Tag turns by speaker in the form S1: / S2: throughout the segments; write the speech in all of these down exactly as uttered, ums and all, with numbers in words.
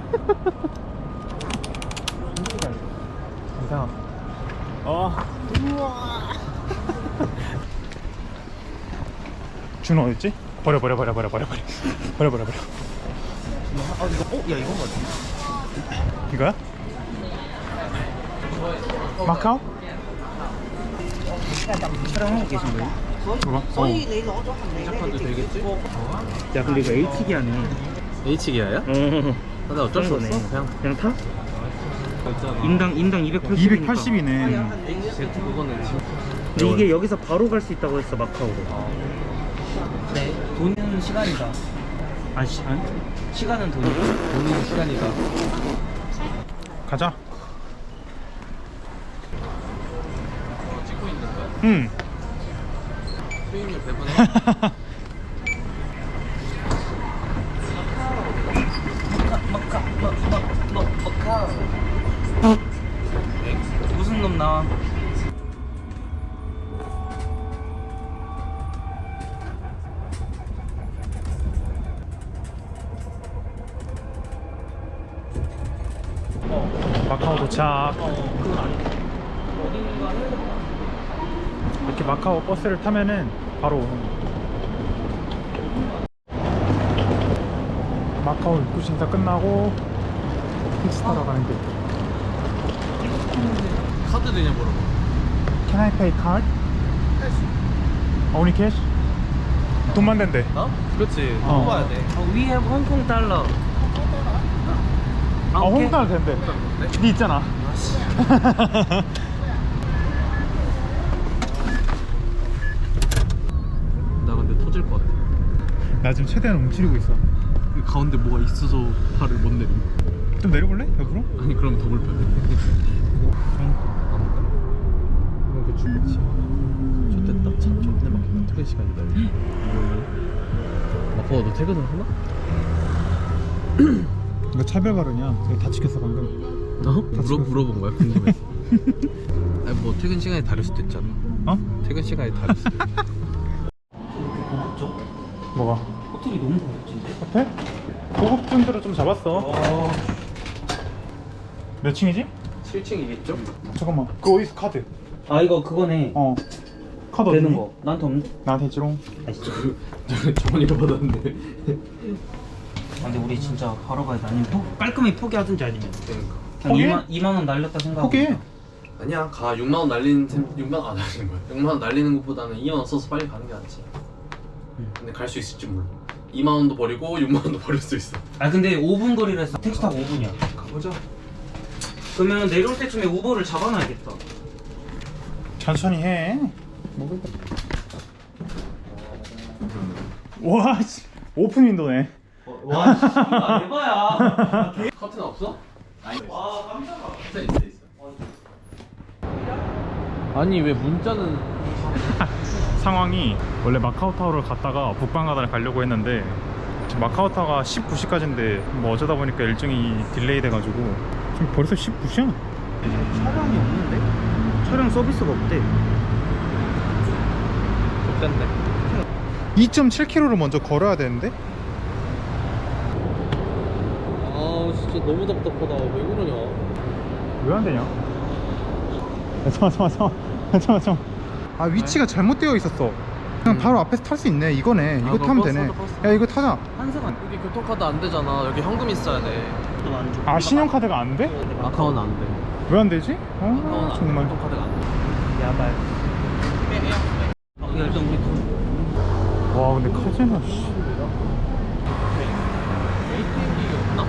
S1: 이상. 어. 우와. 준호 어딨지? 버려 버려 버려 버려 버려 버려 버려 버려 버려.
S2: 아 이거 어? 야 이건 거 같아.
S1: 이거야? 마카오?
S2: 촬영하고 계신 거예요?
S1: 봐봐. 어.
S3: 시작한도 되겠지?
S2: 야 근데 이거 H기아네.
S3: H기아야?
S2: 어.
S3: 근데 어쩔 수 없어. 그냥
S2: 그냥 타?
S3: 있잖아.
S2: 인당 인당 이백팔십.
S1: 이백팔십이네.
S3: H 그거는 지금.
S2: 근데 이게 여기서 바로 갈 수 있다고 했어 마카오로. 네. 돈은 시간이다. 아 시, 아니? 시간은 돈이고
S3: 돈이 시간이다.
S1: 가자.
S3: 어, 찍고 있는 거야?
S1: 응.
S3: 수익률 배분해.
S2: 마카 마마 마카. 무슨 놈 나와?
S1: 마카오 도착. 이렇게 마카오 버스를 타면은 바로 오는 거. 마카오 입구 심사 끝나고 택시 타러 가는 길.
S3: 카드 되냐 물어봐.
S1: Can I pay card? Only cash? 돈만 된대.
S3: 어? 그렇지.
S1: 어.
S3: 뽑아야 돼.
S2: 어, we have Hong Kong 달러.
S1: 아, 홍달 된대. 니 있잖아.
S3: 나 근데 터질 것 같아.
S1: 나 지금 최대한 움츠리고 있어.
S3: 이 가운데 뭐가 있어서 팔을 못 내려.
S1: 좀 내려볼래? 옆으로?
S3: 아니 그럼 더 불편해.
S1: 이거 죽겠지.
S3: 좋됐다. 참 좋네 막힌다. 퇴근 시간이다. 아빠가 너 퇴근을 하나?
S1: 이거 차별 발언이야. 이거 다 지켰어 방금.
S3: 어?
S1: 다
S3: 물어,
S1: 찍었어.
S3: 물어본 거야? 궁금해서. 아니 뭐 퇴근 시간이 다를 수도 있잖아.
S1: 어?
S3: 퇴근 시간이 다를 수도 있어.
S2: 고급져?
S1: 뭐가?
S2: 호텔이 너무 고급진데?
S1: 호텔? 고급진대로 좀 잡았어. 몇 층이지?
S3: 칠 층이겠죠?
S1: 잠깐만. 그 어디서 카드?
S2: 아 이거 그거네.
S1: 어. 카드
S2: 되는
S1: 어디니?
S2: 거. 나한테 없는.
S1: 나한테 있지롱.
S2: 아 진짜.
S3: 정원이가 받았는데.
S2: 아, 근데 우리 진짜 바로 가야 돼. 아니면 포, 깔끔히 포기하든지 아니면
S3: 그러니까.
S2: 그냥
S1: 포기해?
S2: 이만, 이만 원 날렸다 생각하고.
S1: 포기해.
S3: 아니야 가 육만 원 날리는 셈 육만 원 안 날리는 거야. 육만 원 날리는 것보다는 이만 원 써서 빨리 가는 게 낫지.
S2: 응.
S3: 근데 갈 수 있을지 몰라. 이만 원도 버리고 육만 원도 버릴 수 있어.
S2: 아 근데 오 분 거리라 했어. 택시 타고 오 분이야.
S3: 가보자.
S2: 그러면 내려올 때쯤에 우버를 잡아놔야겠다.
S1: 천천히 해. 먹을 거. 와, 씨. 오픈 윈도네.
S2: 와 씨, 이거 대봐야.
S3: 커튼 없어? 아니.
S2: 와 깜짝아.
S3: 있어 있어 있어. 아니 왜 문자는
S1: 상황이 원래 마카오타워를 갔다가 북방가다를 가려고 했는데 지금 마카오타워가 십구 시까지인데 뭐 어쩌다 보니까 일정이 딜레이 돼가지고 지금 벌써 십구 시야.
S2: 촬영이 없는데? 촬영 서비스가 없대.
S3: 좋댄데.
S1: 이 점 칠 킬로미터를 먼저 걸어야 되는데?
S3: 아 진짜 너무 답답하다. 왜 그러냐?
S1: 왜 안 되냐? 야, 잠깐 잠깐 잠깐 잠깐 잠깐. 아 위치가 잘못되어 있었어. 그냥 바로 앞에서 탈 수 있네. 이거네. 이거
S3: 아,
S1: 타면
S3: 버스
S1: 되네.
S3: 타자, 버스.
S1: 야 이거 타자.
S2: 한세간
S3: 여기 교통카드 안 되잖아. 여기 현금 있어야 돼.
S2: 또 안 줘.
S1: 아 신용카드가 안 돼?
S3: 아카운 안 돼.
S1: 왜 안 되지?
S3: 아카운
S1: 어
S3: 안 돼.
S1: 정말.
S3: 교통카드가 안 돼.
S2: 야발. 어, 야, 일단 우리 돈.
S1: 와 근데 카지노 씨.
S3: 에이티엠기 없나?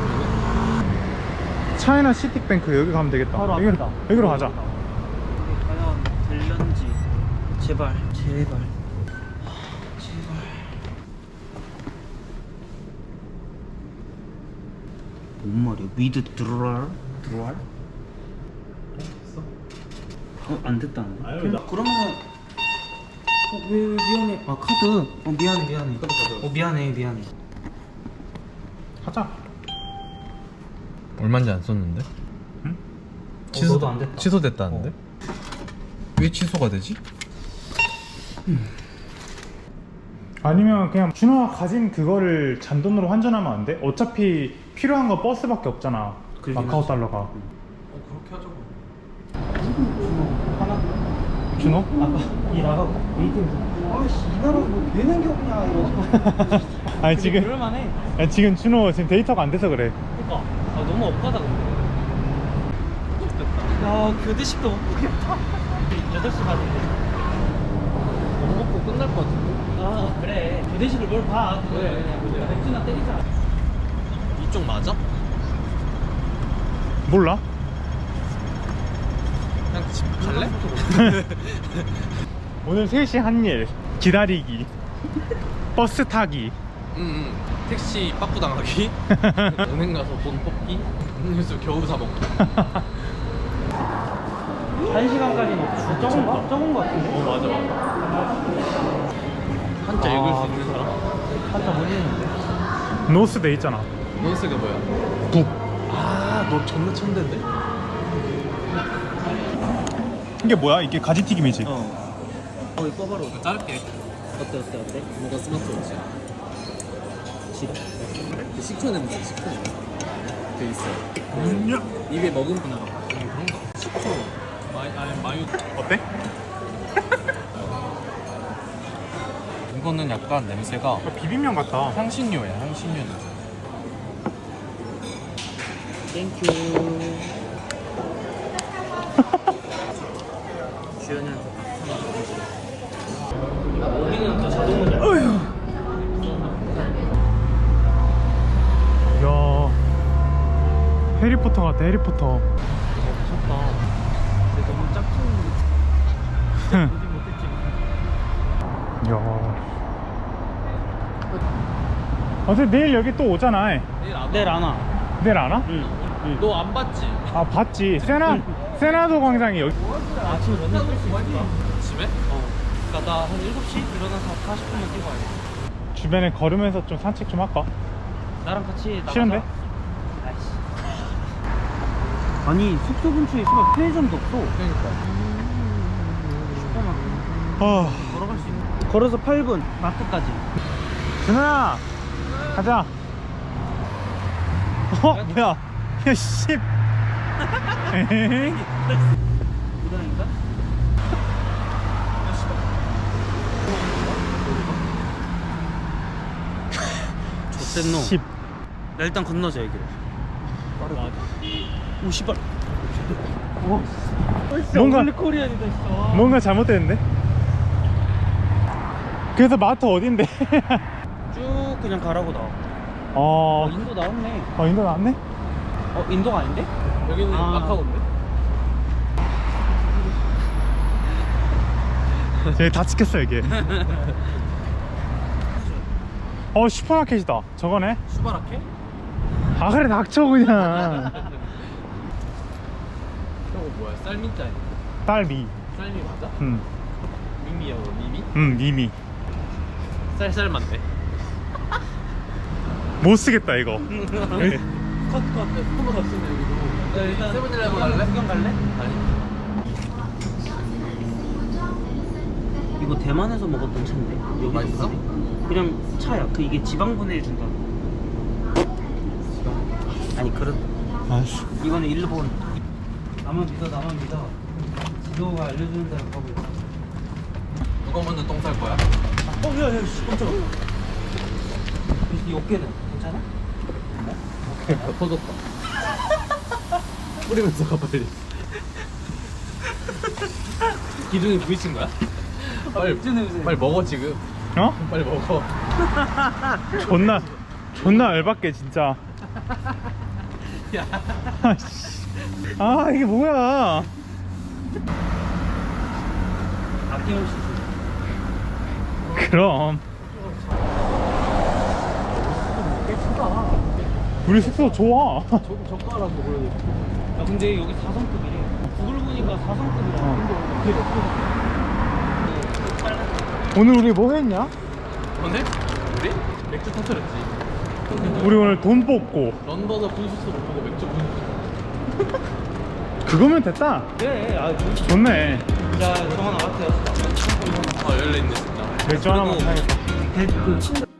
S1: 차이나 시티뱅크 여기 가면 되겠다.
S2: 바로
S1: 여기로,
S2: 앞이다.
S1: 여기로 가자.
S2: 과연 될런지. 제발 제발. 하, 제발. 뭔 말이야? 위드 드랄? 드랄? 어? 안 됐다는데?
S3: 아유, 나-
S2: 그러면은 어, 왜, 왜 미안해. 아 카드. 어 미안해 미안해. 어 미안해 미안해.
S1: 가자.
S3: 얼마인지 안 썼는데?
S1: 응?
S2: 어, 너도 안 됐다.
S3: 취소됐다는데? 왜 취소가 되지?
S1: 아니면 그냥 준호가 가진 그거를 잔돈으로 환전하면 안 돼? 어차피 필요한 거 버스밖에 없잖아.
S2: 그러긴
S1: 마카오
S2: 하지.
S1: 달러가.
S3: 어 그렇게 하자고.
S2: 하나?
S1: 준호?
S2: 아까 이 나가고 에이티엠에서 아씨 이 나라 뭐 되는 게 없냐 이러고.
S1: 아니 지금
S2: 그럴만해.
S1: 야, 지금 준호 지금 데이터가 안 돼서 그래.
S2: 그니까 아, 너무 억까다 근데. 야 교대식도 못 보겠다. 여덟 시 반인데.
S3: 밥 먹고 끝날 것 같은데.
S2: 아 그래 교대식을 뭘 봐. 그래 그냥 맥주나 때리자.
S3: 이쪽 맞아?
S1: 몰라?
S3: 그냥 집 갈래?
S1: 오늘 셋이 한 일 기다리기 버스 타기
S3: 응응. 택시 빠꾸 당하기. 은행 가서 돈 뽑기. 음료수 겨우 사 먹기.
S2: 한 시간까지는 없어. 적은 거? 적은 거 같은데?
S3: 어 맞아 맞아. 한자 읽을 수 있는 사람?
S2: 한자 못 읽는데?
S1: 노스 돼 있잖아.
S3: 노스가 뭐야?
S1: 북.
S3: 아너 존나 천재인데?
S1: 이게 뭐야? 이게 가지튀김이지?
S2: 어. 어 이거 봐봐라.
S3: 짧게.
S2: 어때 어때 어때?
S3: 뭐가 스마트워치?
S2: 지려?
S3: 그 식초 냄새 식초 냄새 돼 있어.
S1: 음,
S3: 입에 머금구나. 음, 그런가? 식초. 마이 아니 마요.
S1: 어때?
S3: 이거는 약간 냄새가
S1: 비빔면 같다.
S3: 향신료야 향신료 냄새.
S2: 땡큐. 주연이한테 여기는 또 자동문이야.
S1: 야 해리포터 같아. 해리포터.
S2: 미쳤다. 근데 너무 짝퉁. 진짜 보지 못했지.
S1: 야. 어차피 내일 여기 또 오잖아.
S3: 내일 안
S2: 내일 안 와.
S1: 내일 안 와?
S2: 응. 응.
S3: 너 안 봤지?
S1: 아 봤지. 세나 세나도 광장이 여기.
S2: 아침에 런닝 뛸수 있을까?
S3: 집에?
S2: 어. 그니까 나 한 일곱 시 일어나서 사십 분만 뛰고 와야 돼.
S1: 주변에 걸으면서 좀 산책 좀 할까?
S2: 나랑 같이 나가자.
S1: 싫은데?
S2: 아이씨. 아니 숙소 근처에 있으면 편의점도 없어.
S3: 그러니까.
S2: 슈퍼마켓.
S1: 아
S2: 걸어갈 수 있는. 걸어서 팔 분 마트까지.
S1: 준호야 가자. 어 뭐야? 야 씨. 에헤이.
S2: 부당인가? 좋댔노.
S1: 십.
S2: 나 일단 건너자 여기로. 오 씨발. 오.
S1: 뭔가-
S2: 원래 코리안이다 진짜.
S1: 뭔가 잘못됐는데? 그래서 마트 어딘데?
S2: 쭉 그냥 가라고 나와.
S1: 어,
S2: 어 인도 나왔네.
S1: 어 인도 나왔네?
S2: 어 인도가 아닌데?
S3: 여기는
S2: 아.
S3: 마카오인데?
S1: 저기 다 찍혔어 이게. 어 슈퍼마켓이다. 저거네.
S3: 수바라케?
S1: 아 그래 닥쳐 그냥.
S3: 저거 뭐야? 쌀미짜이.
S1: 딸미.
S3: 쌀미 맞아?
S1: 응,
S3: 미미야 뭐 미미?
S1: 응 미미.
S3: 쌀쌀 맞네.
S1: 못 쓰겠다 이거.
S3: 컷컷 한번 더 쓰네 여기도.
S2: 야, 일단
S3: 세븐일레븐 갈래?
S2: 구경 갈래?
S3: 아니.
S2: 이거 대만에서 먹었던 차인데. 여기
S3: 맛있어?
S2: 그냥 차야. 그 이게 지방 분해해준다. 아니 그런.
S1: 아씨.
S2: 이거는 일본. 나만 믿어 나만 믿어. 지도가 알려주는 대로 가고 있어.
S3: 누가 먼저 똥 쌀 거야?
S2: 어 야야 씨 깜짝아. 이 어깨는 괜찮아?
S3: 아, 터졌다. 뿌리면서 가 빨리. 기둥이 부딪힌 거야? 빨리
S2: 맥주 냄새.
S3: 빨리 먹어 지금.
S1: 어?
S3: 빨리 먹어.
S1: 존나 존나 열받게 진짜.
S3: 야.
S1: 아씨. 아 이게 뭐야?
S2: 아낌없이 줘.
S1: 그럼 우리 숙소 좋아.
S3: 저 젓가락 먹어야 돼.
S2: 야 근데 여기 사 성급이래. 구글 보니까 사 성급이라.
S1: 어. 오늘 우리 뭐 했냐?
S3: 오늘 우리 맥주 터뜨렸지.
S1: 우리 오늘 돈 뽑고
S3: 런던어 분수수 못 보고 맥주 분수수.
S1: 그거면 됐다.
S2: 그래. 아 좋지.
S1: 좋네.
S2: 자 정원 아파트였어.
S3: 아 열려 있네 진짜.
S1: 맥주 하나만
S3: 그리고
S1: 사야겠다.
S2: 배 그 침대